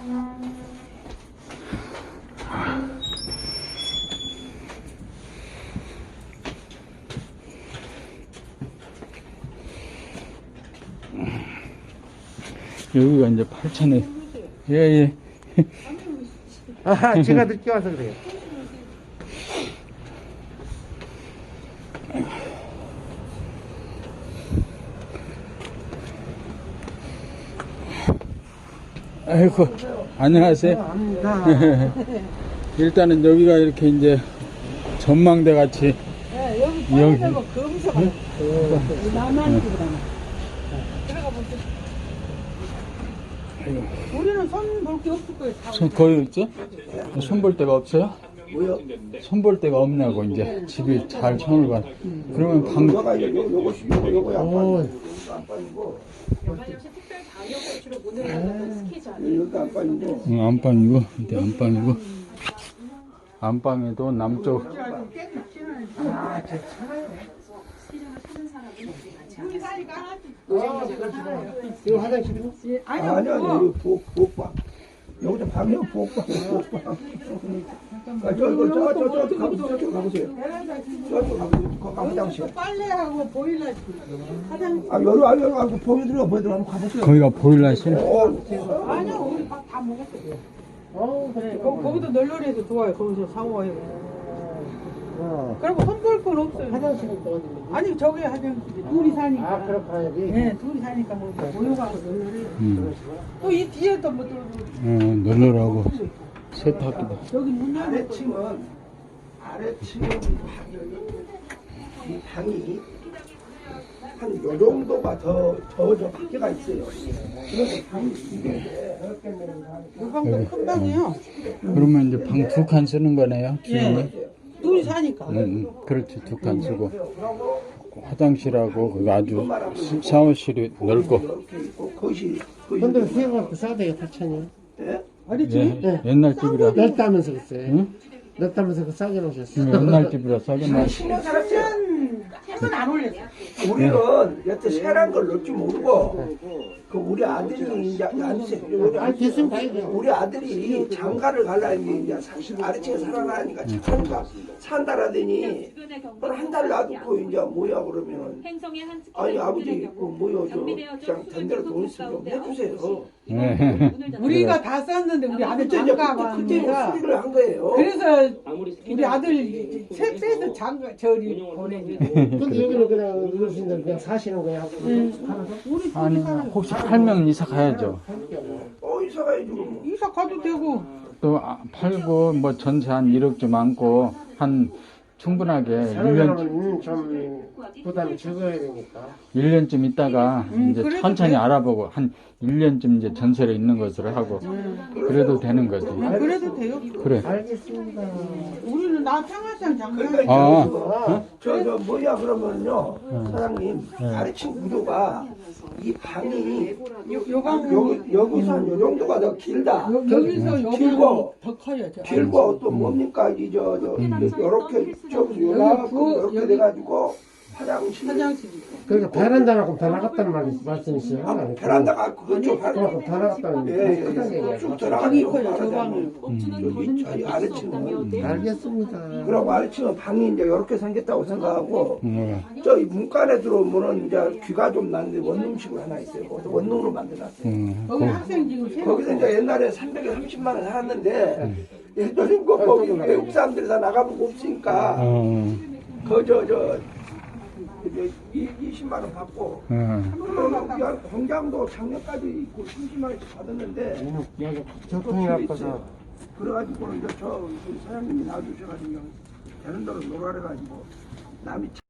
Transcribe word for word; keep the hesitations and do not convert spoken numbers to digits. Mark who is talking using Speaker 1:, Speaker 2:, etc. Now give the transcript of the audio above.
Speaker 1: 여기가 이제 팔천에, 예, 예.
Speaker 2: 아, 제가 늦게 와서 그래요.
Speaker 1: 아이고, 안녕하세요.
Speaker 2: 아닙니다.
Speaker 1: 일단은 여기가 이렇게 이제 전망대 같이.
Speaker 3: 네, 여기
Speaker 1: 여기.
Speaker 3: 빠져서 검사가 나만 집으라나. 들어가 보세요. 우리는 손 볼 게 없을 거예요. 다.
Speaker 1: 손 거의 있죠? 손 볼 데가 없어요?
Speaker 2: 뭐요?
Speaker 1: 손 볼 데가 없냐고 이제 집이 잘 손을 봐. 그러면 방
Speaker 2: 요거가 요, 요, 요거, 요거, 요거
Speaker 1: 오.
Speaker 2: 안 빠지고,
Speaker 4: 역시 특별 방역 조치로 문을 닫았던 스키장.
Speaker 2: 요거 안 빠지고.
Speaker 1: 응, 안방이고 이제 안방이고 안방에도 남쪽
Speaker 2: 아, 제 차가요.
Speaker 4: 스키장을 찾은 사람은 많지
Speaker 3: 우리
Speaker 4: 않았습니다.
Speaker 3: 사니까
Speaker 2: 이거 화장실이고?
Speaker 3: 아니,
Speaker 2: 아니, 아니,
Speaker 3: 뭐.
Speaker 2: 이거 부엌, 부엌방. 여기서 방이요, 부엌방, 부엌방. 아, 저, 저, 저, 저, 저, 가보세요. 저쪽 가보세요. 저쪽 가보세요. 거- 가보 화장실.
Speaker 3: 빨래하고 보일러 화장.
Speaker 2: 아, 여기, 아, 여기, 아, 보여드려, 보여드려. 한번 가보세요.
Speaker 1: 거기가 보일러실.
Speaker 2: 어,
Speaker 3: 아니요, 우리 밥 다 먹었어요. 어, 그래. 거, 거기도 널널해서 좋아요. 거기서 샤워해. 그리고 손 볼 건 없어요.
Speaker 2: 화장실은 또 어디?
Speaker 3: 아니, 저기 화장실. 둘이 사니까.
Speaker 2: 아, 그렇구나, 여기.
Speaker 3: 네, 둘이 사니까 뭐 모여가고 널널해.
Speaker 1: 음,
Speaker 3: 또 이 뒤에도 뭐 또.
Speaker 1: 어, 널널하고 세탁기도.
Speaker 3: 여기 문 열고.
Speaker 2: 아래층은, 아래층은 이 방이 한 요 정도가 더, 더, 저 밖에가 있어요. 그래서 방이 두 개인데,
Speaker 3: 이 방도 큰 방이에요.
Speaker 1: 그러면 이제 방 두 칸 쓰는 거네요. 기운이.
Speaker 3: 둘이 사니까.
Speaker 1: 응, 응, 그렇지 두 칸 쓰고 화장실하고 그 아주 시- 샤워실이 넓고.
Speaker 2: 이렇게 있고, 거실, 거실.
Speaker 5: 근데 수영할 그 싸대요 팔천이요.
Speaker 2: 예?
Speaker 3: 아니지?
Speaker 1: 예, 옛날 집이라.
Speaker 5: 넓다면서 그랬어요.
Speaker 1: 응?
Speaker 5: 넓다면서 그 싸게 놓으셨어.
Speaker 1: 응, 옛날 집이라 싸게 나.
Speaker 2: 십 년 살았어요.
Speaker 3: 해는 안 올렸어.
Speaker 2: 우리는 여태 세란 걸 넣을 줄 모르고 그 우리 아들이 이제 앉으세요. 우리,
Speaker 5: 아, 됐으면 다행이죠.
Speaker 2: 우리 아들이 장가를 가려니 이제 사실 아래층에 살아가니까 착하니까 산다라더니 한 달 놔두고 이제 뭐야 그러면은
Speaker 4: 행성의 한
Speaker 2: 아니 아버지 그 뭐야 저 그냥 던대로 돈 있으면 좀 해주세요.
Speaker 1: 네.
Speaker 3: 우리가 다 썼는데 우리 아들
Speaker 2: 그때 이제
Speaker 3: 장가
Speaker 2: 그때 그때
Speaker 3: 왔는데가
Speaker 2: 수리를 한 거예요.
Speaker 3: 그래서 우리 아들 셋째도 장가 저리 보내니.
Speaker 5: 근데 여기는 그냥 어르신들 그냥 사시는 거야.
Speaker 3: 우리 둘이
Speaker 1: 아니
Speaker 3: 살아요.
Speaker 1: 혹시 팔면 이사 가야죠.
Speaker 2: 어 이사 가야지 그럼.
Speaker 3: 이사 가도 되고.
Speaker 1: 또 아, 팔고 뭐 전세 한 일억 좀 안고 한 충분하게 일 년
Speaker 5: 사람은 좀 부담이 적어야 되니까.
Speaker 1: 일 년쯤 있다가
Speaker 3: 음,
Speaker 1: 이제
Speaker 3: 그래도
Speaker 1: 천천히
Speaker 3: 돼.
Speaker 1: 알아보고 한 일 년쯤 이제 전세로 있는 것으로 하고 그래도 되는 거지.
Speaker 3: 음, 그래도 돼요.
Speaker 1: 그래.
Speaker 5: 알겠습니다.
Speaker 3: 우리는 나 평화상 장가.
Speaker 2: 그러니까
Speaker 1: 아,
Speaker 2: 아, 저, 저, 뭐야, 그러면요, 사장님, 아래층 구조가, 이 방이,
Speaker 3: 요강
Speaker 2: 여기, 여기서 한 요 정도가 더 길다.
Speaker 3: 여기서 여기
Speaker 2: 길고,
Speaker 3: 더 커요. 저
Speaker 2: 길고, 또 뭡니까, 이, 저, 저, 요렇게, 저기서 요만큼,
Speaker 3: 부엌,
Speaker 2: 요렇게
Speaker 3: 여기
Speaker 2: 돼가지고, 화장실.
Speaker 3: 화장실 있고.
Speaker 5: 그러니까 베란다라고 더 나갔다는 말, 말씀이시죠?
Speaker 2: 아, 베란다가 그쪽 발,
Speaker 5: 그만큼 더 나갔다는
Speaker 2: 예, 예,
Speaker 5: 크다는
Speaker 2: 예,
Speaker 5: 얘기야.
Speaker 2: 쭉
Speaker 3: 방이
Speaker 2: 들어가죠.
Speaker 3: 커요. 저 방을.
Speaker 2: 여기, 저기 아래층은.
Speaker 5: 알겠습니다.
Speaker 2: 그리고 아래층은 방이 이제 요렇게 생겼다고 생각하고,
Speaker 1: 음,
Speaker 2: 저 이 문간에 들어오면은 이제 귀가 좀 나는데 원룸식으로 하나 있어요. 거기서 원룸으로 만들어놨어요.
Speaker 1: 음,
Speaker 3: 거기 학생 지금 세 명.
Speaker 2: 거기서 이제 옛날에 삼백삼십만 원 살았는데 예전에 그 거기 외국 사람들이 다 나가보고 없으니까
Speaker 1: 어,
Speaker 2: 그저저 이십만 원 받고
Speaker 1: 음.
Speaker 2: 그리고 공장도 작년까지 있고 삼십만 원씩 받았는데
Speaker 5: 여기 교통이 나빠서.
Speaker 2: 그래가지고 이제 저 사장님이 놔주셔가지고 되는 대로 놀아래가지고 남이